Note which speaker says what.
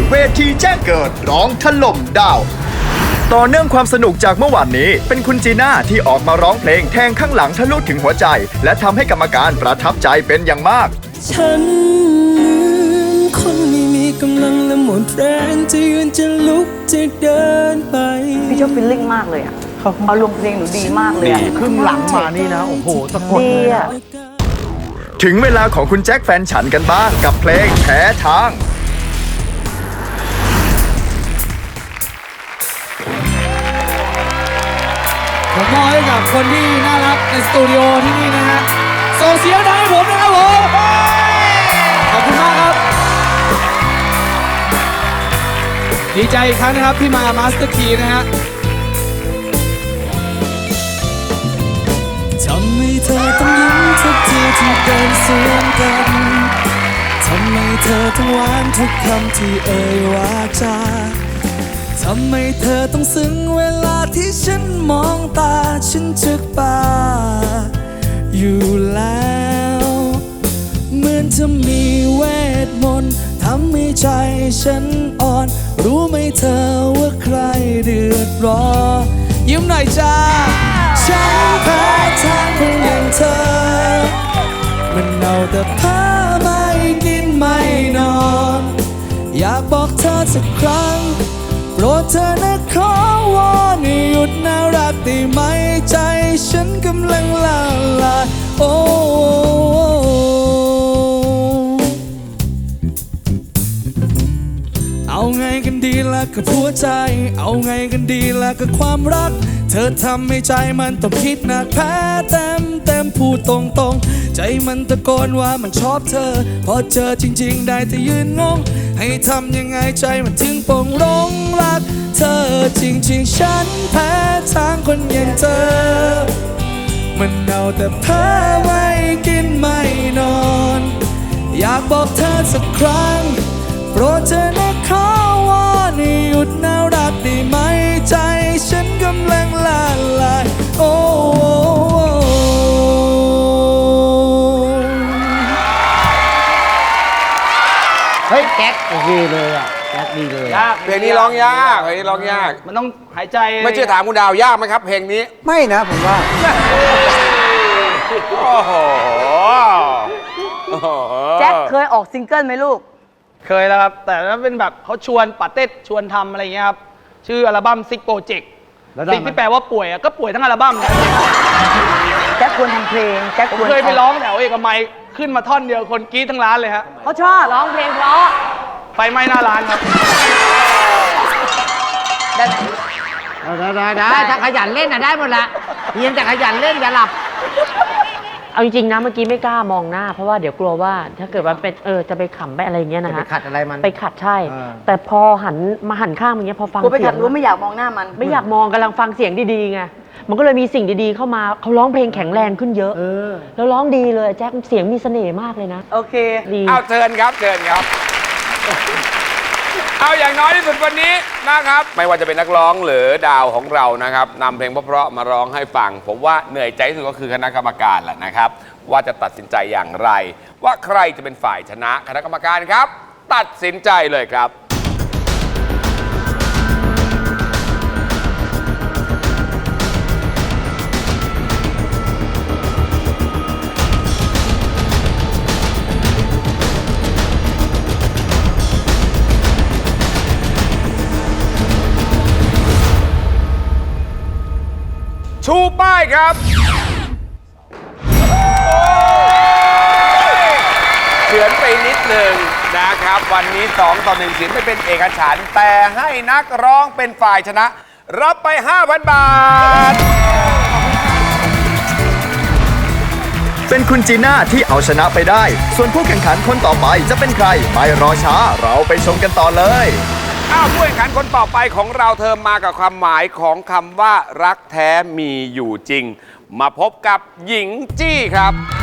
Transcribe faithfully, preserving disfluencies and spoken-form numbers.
Speaker 1: เวทีแจ้งเกิดร้องถล่มดาวต่อเนื่องความสนุกจากเมื่อวานนี้เป็นคุณจีน่าที่ออกมาร้องเพลงแทงข้างหลังทะลุถึงหัวใจและทำให้กรรมการประทับใจเป็นอย่างมาก
Speaker 2: ฉันคนไม่มีกำลังและหมดแรงจะยืนจะลุกจะเดินไป
Speaker 3: พี่ชอบฟิลลิ่งมากเลยอ่ะเอาลงเพลงหนูดีมากเลย
Speaker 4: ดีครึ่งหลังมานี่นะโอ้โหสะกดเลยอะ
Speaker 1: ถึงเวลาของคุณแจ็คแฟนฉันกันบ้างกับเพลงแพ้ทาง
Speaker 5: ผมมอบให้กับคนที่น่ารักในสตูดิโอที่นี่นะฮะส่งเสียงดังให้ผมนะครับผมขอบคุณมากครับดีใจอีกครั้งนะครับที่มามาสเตอร์คีนะฮะ
Speaker 2: ทำไมเธอต้องยิ้มทุกทีที่เดินสวนกันทำไมเธอต้องหวานทุกคำที่เอ่ยวาจาทำไมเธอต้องซึ้งเวลาที่ฉันมองตาฉันจึกป่าอยู่แล้วเหมือนจะมีเวทมนต์ทำให้ใจฉันอ่อนรู้ไหมเธอว่าใครเดือดร้อนยิ้มหน่อยจ้าฉันแพ้ทางคนอย่างเธอมันเอาแต่ผ้าไม่กินไม่นอนอยากบอกเธอสักครั้งโปรดเธอนะขอวอนหยุดน่ารักได้ไหมใจฉันกำลังละลายโอ้เอาไงกันดีล่ะกับหัวใจเอาไงกันดีล่ะกับความรักเธอทำให้ใจมันต้องคิดหนักแพ้เต็มเต็มพูดตรงตรงใจมันตะโกนว่ามันชอบเธอพอเจอจริงๆได้แต่ยืนงงให้ทำยังไงใจมันถึงปงหลงรักเธอจริงๆฉันแพ้ทางคนอย่างเธอมันเอาแต่เพ้อไม่กินไม่นอนอยากบอกเธอสักครั้งโปรดเธอนะขอวอนหยุดน่ารักได้ไหมใจฉันกำลังละลายโอ้
Speaker 4: เฮ้ยแจ็คโอเคเลยอ่ะแจ็คดีเลย
Speaker 5: ยาก
Speaker 6: เพลงนี้ร้องยากเพลงนี้ร้องยาก
Speaker 5: มันต้องหายใจ
Speaker 6: ไม่เชื่อถามคุณดาวยากไหมครับเพลงนี้
Speaker 4: ไม่นะผมว่า
Speaker 6: โอ้โห
Speaker 3: แจ็คเคยออกซิงเกิลไหมลูก
Speaker 5: เคยแล้วครับแต่นั้นเป็นแบบเขาชวนปาเต้ชวนทำอะไรเงี้ยครับชื่ออัลบั้มซิกโปรเจกต์ซิกที่แปลว่าป่วยก็ป่วยทั้งอัลบั้มนะ
Speaker 3: แจ็คควรทำเพลงแจ็คควร
Speaker 5: เคยไปร้องแถวเอกมัยขึ้นมาท่อนเดียวคนกรี๊ดทั้งร้านเลยฮะ
Speaker 3: เขาชอบร้องเพลงเพราะ
Speaker 5: ไฟไหม้หน้าร้านครับ
Speaker 3: ได้ไหม
Speaker 4: ได้ได้ได้ถ้าขยันเล่นน่ะได้หมดละเพียงแต่ขยันเล่นอย่าหลับ
Speaker 7: เอาจริงๆนะเมื่อกี้ไม่กล้ามองหน้าเพราะว่าเดี๋ยวกลัวว่าถ้าเกิดว่าเป็นเออจะไปขำไปอะไรเงี้ยนะฮะ
Speaker 4: ไปขัดอะไรมัน
Speaker 7: ไปขัดใช่แต่พอหันมาหันข้างอย่างเงี้ยพอฟัง
Speaker 3: เสียงไปขัดรู้ไม่อยากมองหน้ามัน
Speaker 7: ไม่อยากมองกำลังฟังเสียงดีๆไงมันก็เลยมีสิ่งดีๆเข้ามาเขาร้องเพลงแข็งแรงขึ้นเยอะแล้วร้องดีเลยแจ็คเสียงมีเสน่ห์มากเลยนะ
Speaker 3: โอเค
Speaker 7: ดี
Speaker 6: เอาเชิญครับเชิญครับเอาอย่างน้อยที่สุดวันนี้นะครับไม่ว่าจะเป็นนักร้องหรือดาวของเรานะครับนำเพลงเพราะๆมาร้องให้ฟังผมว่าเหนื่อยใจที่สุดก็คือคณะกรรมการแหละนะครับว่าจะตัดสินใจอย่างไรว่าใครจะเป็นฝ่ายชนะคณะกรรมการครับตัดสินใจเลยครับชูป้ายครับเฉือนไปนิดหนึ่งนะครับวันนี้สองต่อหนึ่งเสียงไม่เป็นเอกฉันท์แต่ให้นักร้องเป็นฝ่ายชนะรับไป ห้าพัน บาท
Speaker 1: เป็นคุณจีน่าที่เอาชนะไปได้ส่วนผู้แข่งขันคนต่อไปจะเป็นใครไม่รอช้าเราไปชมกันต่อเลย
Speaker 6: อ้าวผู้แข่งขันคนต่อไปของเราเธอมากับความหมายของคำว่ารักแท้มีอยู่จริงมาพบกับหญิงจี้ครับ